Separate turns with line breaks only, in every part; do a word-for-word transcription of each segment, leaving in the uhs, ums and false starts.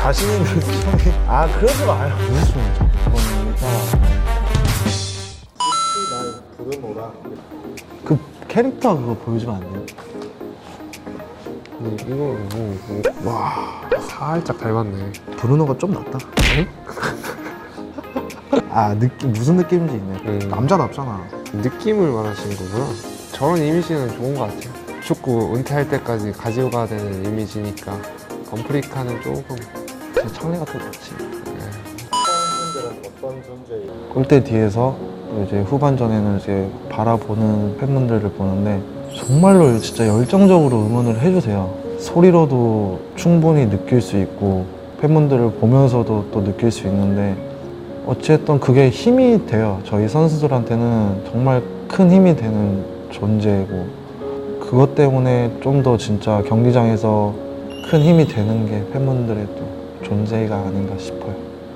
자신 있는 춤이. 아, 그러지 마요. 무슨 춤이야, 그러니까.
날 부르노라.
그 캐릭터 그거 보여주면 안 돼요?
음, 이거 뭐, 뭐. 와 살짝 닮았네.
브루노가 좀 낫다.
응?
아, 느낌, 무슨 느낌인지 있네.
음.
남자답잖아.
느낌을 말하시는 거구나. 저런 이미지는 좋은 것 같아요. 축구 은퇴할 때까지 가지고 가야 되는 이미지니까 건프리카는 조금
제 창리가 더 좋지.
네.
팬분들은 어떤 존재예요?
골대 뒤에서 또 이제 후반전에는 이제 바라보는 팬분들을 보는데 정말로 진짜 열정적으로 응원을 해주세요. 소리로도 충분히 느낄 수 있고 팬분들을 보면서도 또 느낄 수 있는데 어쨌든 그게 힘이 돼요. 저희 선수들한테는 정말 큰 힘이 되는 존재고 그것 때문에 좀 더 진짜 경기장에서 큰 힘이 되는 게 팬분들의 또 존재가 아닌가 싶어요.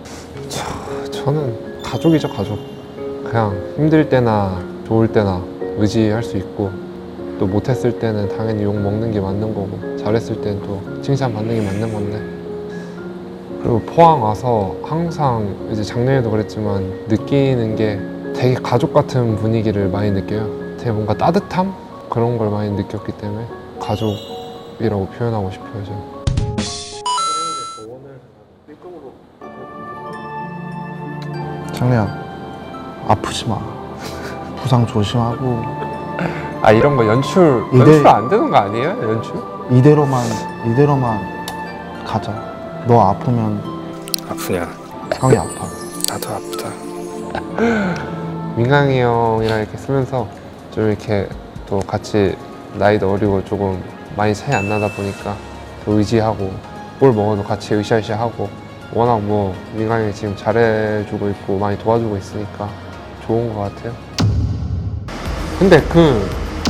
저는 가족이죠, 가족. 그냥 힘들 때나 좋을 때나 의지할 수 있고 또 못했을 때는 당연히 욕 먹는 게 맞는 거고 잘했을 때는 또 칭찬 받는 게 맞는 건데 그리고 포항 와서 항상 이제 작년에도 그랬지만 느끼는 게 되게 가족 같은 분위기를 많이 느껴요. 되게 뭔가 따뜻함? 그런 걸 많이 느꼈기 때문에 가족이라고 표현하고 싶어요, 저는.
조언을 B급으로
장래야, 아프지 마. 부상 조심하고
아 이런 거 연출,
이대-
연출 안 되는 거 아니에요? 연출?
이대로만 이대로만 가자. 너 아프면
아프냐?
형이 아파.
나도 아프다.
민강이 형이랑 이렇게 쓰면서 좀 이렇게 또 같이 나이도 어리고 조금 많이 차이 안 나다 보니까 또 의지하고 뭘 먹어도 같이 으쌰으쌰하고 워낙 뭐 민강이 형이 지금 잘해주고 있고 많이 도와주고 있으니까 좋은 것 같아요. 근데 그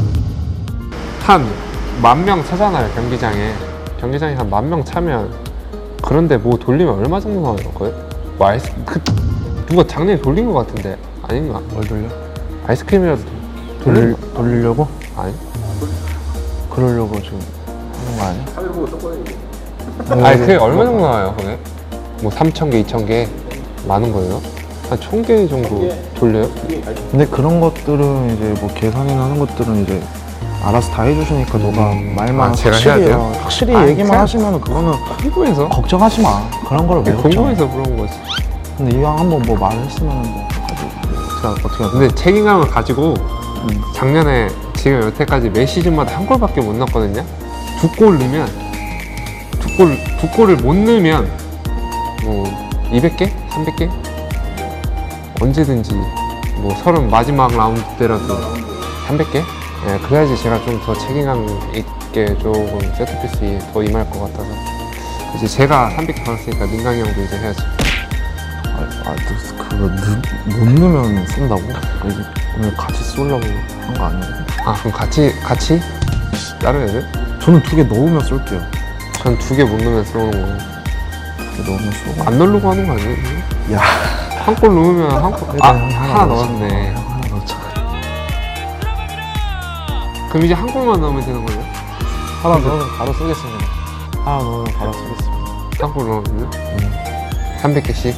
한 만 명 차잖아요, 경기장에. 경기장에 한 만 명 차면 그런데 뭐 돌리면 얼마 정도 나와요? 거의? 뭐 아이스 그 누가 작년에 돌린 것 같은데 아닌가?
뭘 돌려?
아이스크림이라도
돌릴 돌리려고?
아니?
그러려고 지금 하는 거 아니야?
카메라 보고 똑바로 얘기해.
아니 그게 얼마 정도 나와요, 그게? 뭐 삼천 개, 이천 개 많은 거예요? 한 천 개 정도 돌려요?
근데 그런 것들은 이제 뭐 계산이나 하는 것들은 이제 알아서 다 해주시니까 너가
음,
말만
아, 제가
확실히
해야 돼요?
어, 확실히
아니,
얘기만
그냥-
하시면 그거는
궁금해서
걱정하지 마. 그런 걸 왜 걱정?
궁금해서 그런 거지.
근데 이왕 한번 뭐 말을 했으면 뭐 가지고 어떻게 어떻게 하든.
근데 책임감을 가지고
음.
작년에 지금 여태까지 매 시즌마다 한 골밖에 못 넣었거든요. 두 골 넣으면 두 골, 두 골을 못 넣으면 뭐 이백 개? 삼백 개? 언제든지 뭐 서른 마지막 라운드 때라도 삼백 개? 예, 그래야지 제가 좀 더 책임감 있게 조금 세트피스 더 임할 것 같아서 이제 제가 삼백 개 받았으니까 민강이 형도 이제 해야지.
아, 아, 또 그거 넣, 못 넣으면 쓴다고? 이게 오늘 같이 쏠려고 한 거 아니에요?
아 그럼 같이 같이 다른 애들?
저는 두 개 넣으면 쏠게요.
전 두 개 못 넣으면 쏘는 거고
두 개 넣으면 쏘고.
안 넣으려고 하는 거 아니에요?
야,
한 골 넣으면 한 골, 아
일단
하나
넣자.
넣었네.
어, 하나 넣자.
그럼 이제 한 골만 넣으면 되는 거예요?
하나 넣으면 바로 쏘겠습니다. 하나 넣으면 바로 쏘겠습니다.
한 골 넣으면
음.
삼백 개씩.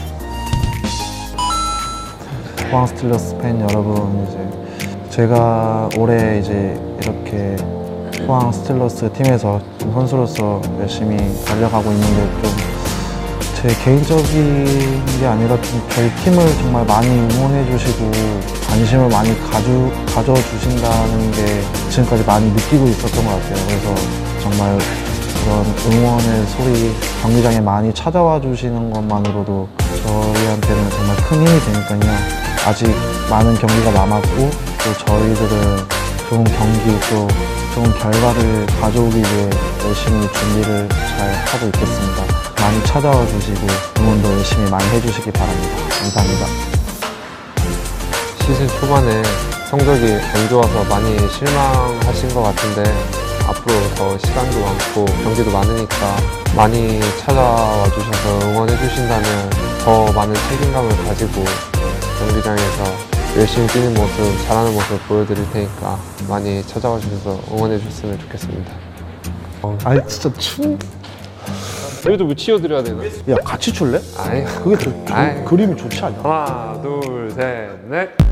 포항 스틸러스 팬 여러분, 이제 제가 올해 이제 이렇게 포항 스틸러스 팀에서 좀 선수로서 열심히 달려가고 있는데 좀 제 개인적인 게 아니라 좀 저희 팀을 정말 많이 응원해 주시고 관심을 많이 가주, 가져주신다는 게 지금까지 많이 느끼고 있었던 것 같아요. 그래서 정말 그런 응원의 소리 경기장에 많이 찾아와 주시는 것만으로도 저희한테는 정말 큰 힘이 되니까요. 아직 많은 경기가 남았고 또 저희들은 좋은 경기 또 좋은 결과를 가져오기 위해 열심히 준비를 잘 하고 있겠습니다. 많이 찾아와 주시고 응원도 열심히 많이 해주시기 바랍니다. 감사합니다.
시즌 초반에 성적이 안 좋아서 많이 실망하신 것 같은데 앞으로 더 시간도 많고 경기도 많으니까 많이 찾아와 주셔서 응원해 주신다면 더 많은 책임감을 가지고 경기장에서 열심히 뛰는 모습, 잘하는 모습 보여드릴 테니까 많이 찾아와 주셔서 응원해 주셨으면 좋겠습니다.
아니 진짜 춤
여기도 뭐 치워드려야 되나?
야 같이 출래?
아니
그게 더 그,
아이.
그림이 좋지 않냐?
하나 둘 셋 넷